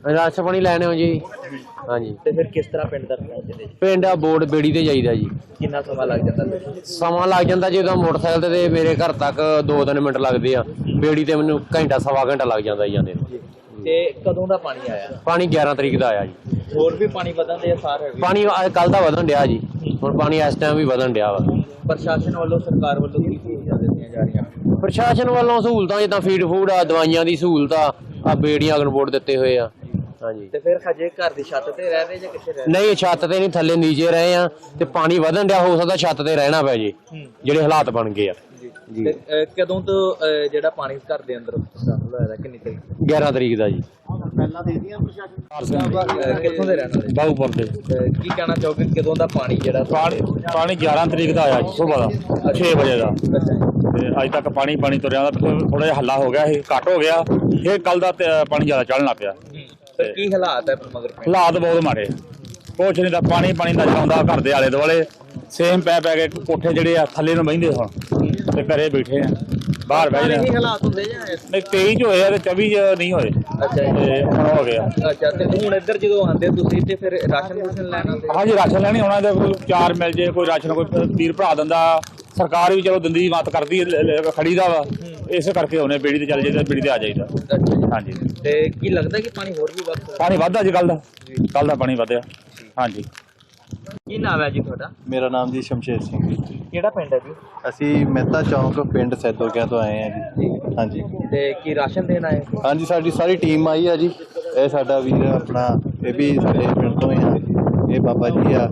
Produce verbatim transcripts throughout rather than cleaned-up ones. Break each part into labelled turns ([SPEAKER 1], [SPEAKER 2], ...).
[SPEAKER 1] Ration पानी लैने हो जी। हाँ जी।
[SPEAKER 2] ਤੇ ਫਿਰ ਕਿਸ ਤਰ੍ਹਾਂ ਪਿੰਡ ਤੱਕ ਪਹੁੰਚਦੇ ਜੀ?
[SPEAKER 1] पिंड आ बोर्ड बेड़ी ते जाईदा जी।
[SPEAKER 2] ਕਿੰਨਾ ਸਮਾਂ ਲੱਗ ਜਾਂਦਾ ਜੀ?
[SPEAKER 1] ਸਮਾਂ ਲੱਗ ਜਾਂਦਾ ਜੀ। ਉਹਦਾ ਮੋਟਰਸਾਈਕਲ ਤੇ ਮੇਰੇ ਘਰ ਤੱਕ ਦੋ ਤਿੰਨ ਮਿੰਟ ਲੱਗਦੇ ਆ। ਬੇੜੀ ਤੇ ਮੈਨੂੰ ਘੰਟਾ ਸਵਾ ਘੰਟਾ ਲੱਗ ਜਾਂਦਾ ਜੀ ਜਾਂਦੇ ਨੂੰ।
[SPEAKER 2] ਤੇ ਕਦੋਂ ਦਾ ਪਾਣੀ ਆਇਆ?
[SPEAKER 1] ਪਾਣੀ ਗਿਆਰਾਂ ਤਰੀਕ ਦਾ ਆਇਆ ਜੀ।
[SPEAKER 2] ਹੋਰ ਵੀ ਪਾਣੀ ਵਧਣ ਦੇ ਅਸਾਰ ਹੈਗੇ?
[SPEAKER 1] ਪਾਣੀ ਕੱਲ ਦਾ ਵਧਣ ਡਿਆ ਜੀ। ਹੁਣ ਪਾਣੀ ਇਸ ਟਾਈਮ ਵੀ ਵਧਣ ਡਿਆ ਵਾ।
[SPEAKER 2] ਪ੍ਰਸ਼ਾਸਨ ਵੱਲੋਂ ਸਰਕਾਰ ਵੱਲੋਂ ਕੀ ਸਹੂਲਤਾਂ ਦਿੱਤੀਆਂ ਜਾ ਰਹੀਆਂ?
[SPEAKER 1] ਪ੍ਰਸ਼ਾਸਨ ਵੱਲੋਂ ਸਹੂਲਤਾਂ ਜਿੱਦਾਂ ਫੀਡ ਫੂਡ ਆ, ਦਵਾਈਆਂ ਦੀ ਸਹੂਲਤ ਆ, ਆ ਬੇੜੀਆਂ ਅਗਨਬੋਰਡ ਦਿੱਤੇ ਹੋਏ ਆ। ਹਾਂਜੀ।
[SPEAKER 2] ਤੇ ਫਿਰ ਹਜੇ ਘਰ ਦੀ ਛੱਤ ਤੇ ਰਹਿ ਰਹੇ ਜਾਂ ਕਿੱਥੇ ਰਹਿ ਰਹੇ?
[SPEAKER 1] ਨਹੀਂ, ਛੱਤ ਤੇ ਨਹੀਂ, ਥੱਲੇ ਨੀਚੇ ਰਹੇ ਆ ਤੇ ਪਾਣੀ ਵਧਣ ਡਿਆ। ਹੋ ਸਕਦਾ ਛੱਤ ਤੇ ਰਹਿਣਾ ਪੈ ਜੇ ਜਿਹੜੇ ਹਾਲਾਤ ਬਣ ਗਏ ਆ ਜੀ।
[SPEAKER 2] ਤੇ ਕਦੋਂ ਤੋਂ ਜਿਹੜਾ ਪਾਣੀ ਘਰ ਦੇ ਅੰਦਰ ਦਾਖਲ ਹੋਇਆ? ਕਿੰਨੀ ਤਰੀਕ?
[SPEAKER 1] ਗਿਆਰਾਂ ਤਰੀਕ ਦਾ ਜੀ।
[SPEAKER 2] ਪਹਿਲਾਂ ਦੇ ਦੀਆਂ ਪ੍ਰਸ਼ਾਸਨ ਕਿੱਥੋਂ ਦੇ ਰਹਿਣ ਵਾਲੇ?
[SPEAKER 1] ਬਾਹੂਪੁਰ ਦੇ।
[SPEAKER 2] ਕੀ ਕਹਿਣਾ ਚਾਹੋਗੇ ਕਦੋਂ ਦਾ ਪਾਣੀ ਜਿਹੜਾ?
[SPEAKER 3] ਪਾਣੀ ਪਾਣੀ ਗਿਆਰਾਂ ਤਰੀਕ ਦਾ ਆਇਆ ਸੁਬਾਹ ਦਾ ਛੇ ਵਜੇ ਦਾ, ਤੇ ਅੱਜ ਤੱਕ ਪਾਣੀ ਪਾਣੀ ਤੁਰਿਆ ਦਾ। ਥੋੜਾ ਜਿਹਾ ਹੱਲਾ ਹੋ ਗਿਆ ਸੀ, ਘੱਟ ਹੋ ਗਿਆ। ਇਹ ਕੱਲ ਦਾ ਪਾਣੀ ਜ਼ਿਆਦਾ ਚੜ੍ਹਨ ਲੱਗ ਪਿਆ।
[SPEAKER 2] ਕੀ ਹਾਲਾਤ ਹੈ ਮਗਰ?
[SPEAKER 3] ਹਾਲਾਤ ਬਹੁਤ ਮਾੜੇ, ਕੁਛ ਨਹੀਂ ਦਾ ਪਾਣੀ ਪਾਣੀ ਨਜ਼ਰ ਆਉਂਦਾ ਘਰ ਦੇ ਆਲੇ ਦੁਆਲੇ। ਸੇਮ ਪੈ ਪੈ ਕੇ ਕੋਠੇ ਜਿਹੜੇ ਆ ਥੱਲੇ ਨੂੰ ਬਹਿੰਦੇ ਹੁਣ, ਤੇ ਘਰੇ ਬੈਠੇ ਆ, ਬਾਹਰ ਬਹਿ ਜਾਂਦੇ।
[SPEAKER 2] ਹਾਲਾਤ ਹੁੰਦੇ ਜਾਂ
[SPEAKER 3] ਨਹੀਂ, ਤੇਈ ਚ ਹੋਏ ਆ ਤੇ ਚੌਵੀ ਚ ਨਹੀਂ ਹੋਏ।
[SPEAKER 2] ਅੱਛਾ ਜੀ।
[SPEAKER 3] ਤੇ ਹੁਣ ਹੋ ਗਿਆ।
[SPEAKER 2] ਅੱਛਾ, ਤੇ ਹੁਣ ਇੱਧਰ ਜਦੋਂ ਆਉਂਦੇ ਤੁਸੀਂ ਤੇ ਫਿਰ ਰਾਸ਼ਨ ਰੂਸ਼ਨ ਲੈਣ ਆਉਂਦੇ?
[SPEAKER 3] ਹਾਂਜੀ, ਰਾਸ਼ਨ ਲੈਣੀ ਹੋਣਾ ਤੇ ਕੋਈ ਚਾਰ ਮਿਲ ਜੇ, ਕੋਈ ਰਾਸ਼ਨ ਕੋਈ ਵੀਰ ਭਰਾ ਦਿੰਦਾ। ਸਰਕਾਰ ਵੀ ਚਲੋ ਦਿੰਦੀ, ਮਤ ਕਰਦੀ, ਖੜੀ ਦਾ ਵਾ। ਇਸੇ ਕਰਕੇ ਉਹਨੇ ਬੇੜੀ ਤੇ ਚੱਲ ਜਾਈਦਾ, ਬੇੜੀ ਤੇ ਆ ਜਾਈਦਾ। ਹਾਂਜੀ।
[SPEAKER 2] ਤੇ ਕੀ ਲੱਗਦਾ ਕਿ ਪਾਣੀ ਹੋਰ ਵੀ ਵੱਧ?
[SPEAKER 3] ਪਾਣੀ ਵੱਧਦਾ ਜੀ, ਕੱਲ ਦਾ ਕੱਲ ਦਾ ਪਾਣੀ ਵਧਿਆ। ਹਾਂਜੀ।
[SPEAKER 2] ਕੀ ਨਾਮ ਹੈ ਜੀ ਤੁਹਾਡਾ?
[SPEAKER 4] ਮੇਰਾ ਨਾਮ ਜੀ ਸ਼ਮਸ਼ੇਰ ਸਿੰਘ ਜੀ।
[SPEAKER 2] ਕਿਹੜਾ ਪਿੰਡ ਹੈ ਜੀ?
[SPEAKER 4] ਅਸੀਂ ਮਹਿਤਾ ਚੌਂਕ ਪਿੰਡ ਸੈਦੋਕਿਆਂ ਤੋਂ ਆਏ ਹਾਂ ਜੀ। ਹਾਂਜੀ।
[SPEAKER 2] ਤੇ ਕੀ ਰਾਸ਼ਨ ਦੇਣ ਆਏ?
[SPEAKER 4] ਹਾਂਜੀ, ਸਾਡੀ ਸਾਰੀ ਟੀਮ ਆਈ ਆ ਜੀ। ਇਹ ਸਾਡਾ ਵੀਰ ਆਪਣਾ, ਇਹ ਵੀ ਸਾਡੇ ਪਿੰਡ ਤੋਂ ਹੀ ਆ। ਇਹ ਬਾਬਾ ਜੀ ਆ,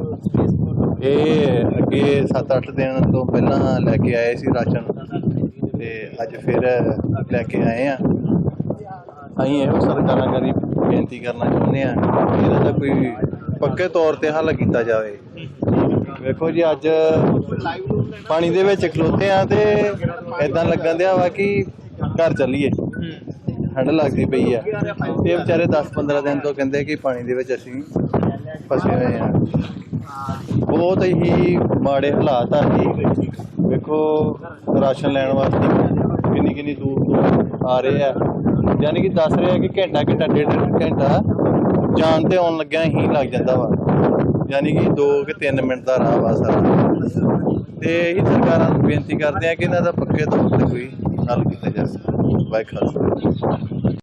[SPEAKER 4] ਇਹ ਅੱਗੇ ਸੱਤ ਅੱਠ ਦਿਨ ਤੋਂ ਪਹਿਲਾਂ ਲੈ ਕੇ ਆਏ ਸੀ ਰਾਸ਼ਨ, ਤੇ ਅੱਜ ਫਿਰ ਲੈ ਕੇ ਆਏ ਆ। ਅਸੀਂ ਇਹੋ ਸਰਕਾਰਾਂ ਕਰੀ ਬੇਨਤੀ ਕਰਨਾ ਚਾਹੁੰਦੇ ਹਾਂ ਕਿ ਇਹਦਾ ਤਾਂ ਕੋਈ ਪੱਕੇ ਤੌਰ 'ਤੇ ਹੱਲ ਕੀਤਾ ਜਾਵੇ। ਵੇਖੋ ਜੀ, ਅੱਜ ਪਾਣੀ ਦੇ ਵਿੱਚ ਖਲੋਤੇ ਆ ਤੇ ਇੱਦਾਂ ਲੱਗਣ ਦਿਆ ਵਾ ਕਿ ਘਰ ਚੱਲੀਏ, ਠੰਡ ਲੱਗਦੀ ਪਈ ਆ। ਇਹ ਵਿਚਾਰੇ ਦਸ ਪੰਦਰਾਂ ਦਿਨ ਤੋਂ ਕਹਿੰਦੇ ਕਿ ਪਾਣੀ ਦੇ ਵਿੱਚ ਅਸੀਂ ਫਸੇ ਹੋਏ ਆ। ਬਹੁਤ ਹੀ ਮਾੜੇ ਹਾਲਾਤ ਆ ਜੀ। ਵੇਖੋ, ਰਾਸ਼ਨ ਲੈਣ ਵਾਸਤੇ ਕਿੰਨੀ ਕਿੰਨੀ ਦੂਰ ਤੋਂ ਆ ਰਹੇ ਆ। ਯਾਨੀ ਕਿ ਦੱਸ ਰਹੇ ਆ ਕਿ ਘੰਟਾ ਘੰਟਾ ਡੇਢ ਘੰਟਾ ਜਾਣ ਤੇ ਆਉਣ ਲੱਗਿਆ ਹੀ ਲੱਗ ਜਾਂਦਾ ਵਾ। ਯਾਨੀ ਕਿ ਦੋ ਕਿ ਤਿੰਨ ਮਿੰਟ ਦਾ ਰਾਹ ਵਾ ਸਾਰਾ। ਤੇ ਇਹ ਸਰਕਾਰਾਂ ਨੂੰ ਬੇਨਤੀ ਕਰਦੇ ਆ ਕਿ ਇਹਨਾਂ ਦਾ ਪੱਕੇ ਤੌਰ 'ਤੇ ਕੋਈ ਹੱਲ ਕੀਤਾ ਜਾ ਸਕੇ। ਵਾਹਿਗੁਰੂ।